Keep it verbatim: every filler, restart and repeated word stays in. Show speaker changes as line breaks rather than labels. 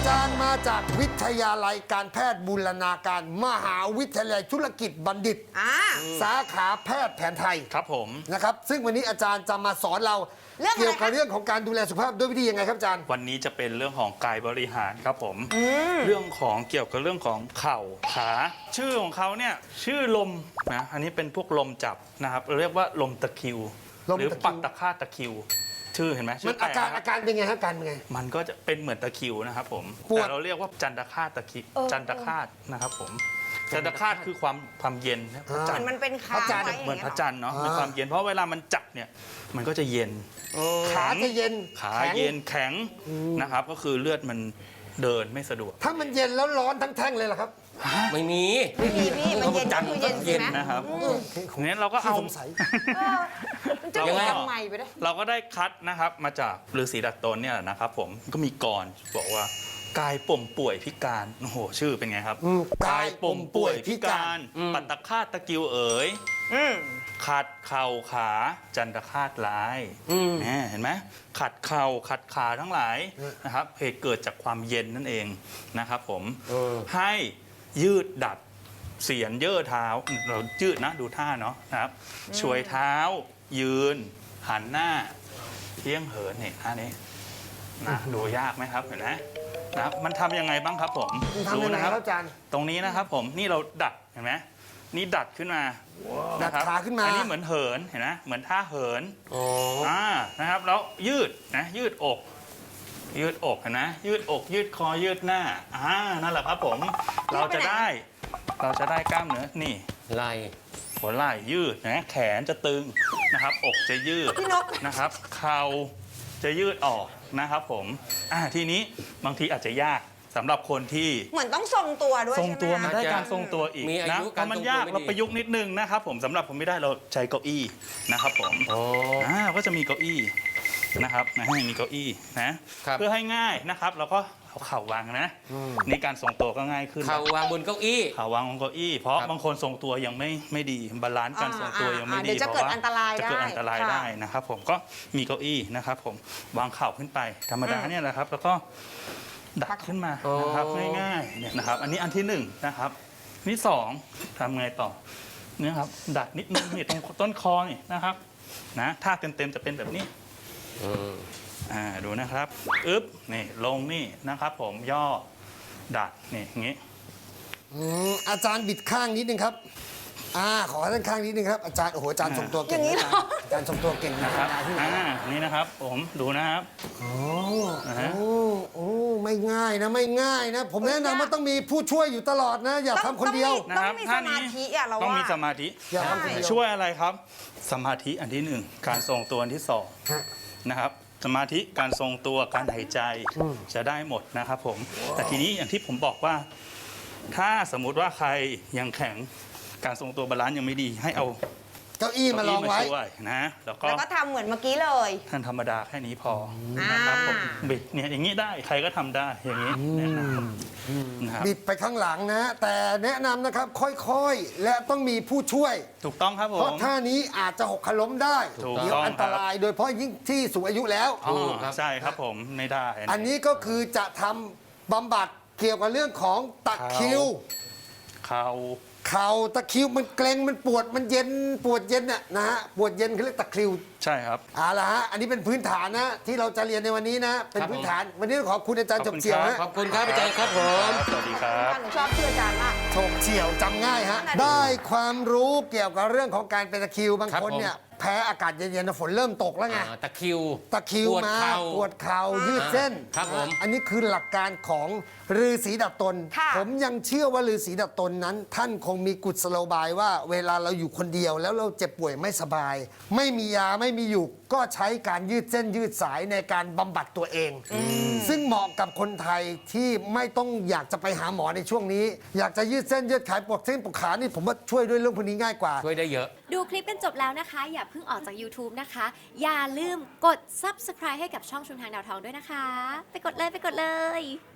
จารย์มาจากวิทยาลัยการแพทย์บูรณาการมหาวิทยาลัยธุรกิจบัณฑิตสาขาแพทย์แผนไทย
ครับผม
นะครับซึ่งวันนี้อาจารย์จะมาสอนเราเกี่ยวกับเรื่องของการดูแลสุขภาพด้วยวิธียังไงครับอาจารย์
วันนี้จะเป็นเรื่องของกายบริหารครับผมเรื่องของเกี่ยวกับเรื่องของเข่าขาชื่อของเขาเนี่ยชื่อลมนะอันนี้เป็นพวกลมจับนะครับเรียกว่าลมตะคริวหรือปักตะค่าตะคริวชื่อเห็นไหม
มันอาการอาการเป็นไงครับการเป็นไง
มันก็จะเป็นเหมือนตะคริวนะครับผมแต่เราเรียกว่าจันทคาตตะคริวจันทคาตนะครับผมจันทคาตคือความความเย็นพระจันทร์
มันเป็นค้างไว้
เหมือนพระจันทร์เนาะมีความเย็นเพราะเวลามันจับเนี่ยมันก็จะเย็น
ขาจะเย็น
ขาเย็นแข็งนะครับก็คือเลือดมันเดินไม่สะดวก
ถ้ามันเย็นแล้วร้อนทั้งแท่งเลยเหรอครับ
ไม่มี
ไม่มีพี่มันเย็นก็คือเย็นใช่ไหม
นะครับงั้นเราก็เอา
จะยังไงทำไมไปได้
เราก็ได้คัดนะครับมาจากฤาษีดัดตนเนี่ยนะครับผมก็มีกรบอกว่ากายป่มป่วยพิการโอ้โหชื่อเป็นไงครับ
กายป่มป่วยพิการ
ปัตตคาตตะกิวเอ๋ยขัดเข่าขาจันทคาตลายเห็นไหมขัดเข่าขัดขาทั้งหลายนะครับเหตุเกิดจากความเย็นนั่นเองนะครับผมให้ยืดดัดเสียนเย่อเท้าเรายืดนะดูท่าเนาะนะครับช่วยเท้ายืนหันหน้าเที่ยงเหินเนี่ยท่านี้นะดูยากไหมครับเห็นไหมนะครับมันทำยังไงบ้างครับผม
ดูนะครับอาจารย์
ตรงนี้นะครับผมนี่เราดัดเห็นไหมนี่ดัดขึ้นมา
ดัดขาขึ้นมา
อันนี้เหมือนเหินเห็นไหมเหมือนท่าเหินอ่านะครับแล้วยืดนะยืดอกยืดอกเห็นไหมยืดอกยืดคอยืดหน้าอ่านั่นแหละครับผมเราจะได้เราจะได้กล้ามเนื้อนี่
ไหล่
หัวไหล่ยืดนะแขนจะตึงนะครับอกจะยืดนะครับเข่าจะยืดออกนะครับผมอ่าทีนี้บางทีอาจจะยากสำหรับคนที่
เหมือนต้องทรงตัวด้วย
ทรงตัวมันได้การทรงตัวอีกนะเพราะมันยากเราประยุกต์นิดนึงนะครับผมสำหรับผมไม่ได้เราใช้เก้าอี้นะครับผมอ่าก็จะมีเก้าอี้นะครับนะให้มีเก้าอี้นะเพื่อให้ง่ายนะครับเราก็เอาเข่าวางนะนี่การทรงตัวก็ง่ายขึ้น
เข่าวางบนเก้าอี้
เข่าวางบนเก้าอี้เพราะบางคนทรงตัวยังไม่ไม่ดีบาลานซ์การทรงตัวยังไม่ดี
เพราะว่าจะ
เกิดอันตรายได้นะครับผมก็มีเก้าอี้นะครับผมวางเข่าขึ้นไปธรรมดาเนี่ยแหละครับแล้วก็ดัดขึ้นมานะครับง่ายๆเนี่ยนะครับอันนี้อันที่หนึ่งนะครับนี่สองทำไงต่อเนี่ยครับดัดนิดนึงนี่ตรงต้นคอนี่นะครับนะท่าเต็มๆจะเป็นแบบนี้อ่าดูนะครับอึ๊บนี่ลงนี่นะครับผมย่อดัดนี่อย่างงี้
อาจารย์บิดข้างนิดนึงครับอ่าขอด้านข้างนิดนึงครับอาจารย์โอ้โหอาจารย์ทรงตัวเก่งนะอาจารย์ทรงตัวเก่ง
นะครับอ่านี่นะครับผมดูนะครับ
โอ้โอ้โอ้ไม่ง่ายนะไม่ง่ายนะผมแนะนำว่าต้องมีผู้ช่วยอยู่ตลอดนะอย่าทำคนเดียว
นะครับท่านี้
ต้องมีสมาธิช่วยอะไรครับสมาธิอันที่หนึ่งการทรงตัวอันที่สองนะครับสมาธิการทรงตัวการหายใจจะได้หมดนะครับผมแต่ทีนี้อย่างที่ผมบอกว่าถ้าสมมุติว่าใครยังแข็งการทรงตัวบาลานซ์ยังไม่ดีให้เอา
เก้าอี้มาลองไว้
นะ
แล้วก็ทำเหมือนเมื่อกี้เลย
ท่านธรรมดาแค่นี้พอนะครับผมบิดเนี่ยอย่างนี้ได้ใครก็ทำได้อย่างนี้นะครับ
บิดไปข้างหลังนะแต่แนะนำนะครับค่อยๆและต้องมีผู้ช่วย
ถูกต้องครับผม
เพราะท่านี้อาจจะหกล้มได้เดี๋ยวอันตรายโดยเฉพาะยิ่งที่สูงอายุแล้ว
ใช่ครับผมไม่ได้
อันนี้ก็คือจะทำบำบัดเกี่ยวกับเรื่องของตะคริว
เข่า
เข่าตะคริวมันเกร็งมันปวดมันเย็นปวดเย็นน่ะนะฮะปวดเย็นเขาเรียกตะคริว
ใช่ครับ
เอาละฮะอันนี้เป็นพื้นฐานนะที่เราจะเรียนในวันนี้นะเป็นพื้นฐานวันนี้ขอบคุณอาจารย์ฉกเฉียว
ขอบคุณครับอาจารย์ครับผม
สวัสดีครับ
หนูชอบชื่ออาจารย์มาก
ฉกเฉียวจำง่ายฮะได้ความรู้เกี่ยวกับเรื่องของการเป็นตะคริวบางคนเนี่ยแพ้อากาศเย็นๆฝนเริ่มตกแล้วไง
ตะคริว
ตะคริวมาปวดเข่ายืดเส้น
ครับผม
อันนี้คือหลักการของฤาษีดัดตนผมยังเชื่อว่าฤาษีดัดตนนั้น ท่านคงมีกุศโลบายว่าเวลาเราอยู่คนเดียวแล้วเราเจ็บป่วยไม่สบาย ไม่มียาไม่มีอยู่ก็ใช้การยืดเส้นยืดสายในการบำบัดตัวเองซึ่งเหมาะกับคนไทยที่ไม่ต้องอยากจะไปหาหมอในช่วงนี้อยากจะยืดเส้นยืดขายปวดเส้นปวดขานี่ผมว่าช่วยด้วยเรื่องพวกนี้ง่ายกว่า
ช่วยได้เยอะ
ดูคลิปกันจบแล้วนะคะอย่าเพิ่งออกจาก YouTube นะคะอย่าลืมกด ซับสไครบ์ ให้กับช่องชุมทางดาวทองด้วยนะคะไปกดเลยไปกดเลย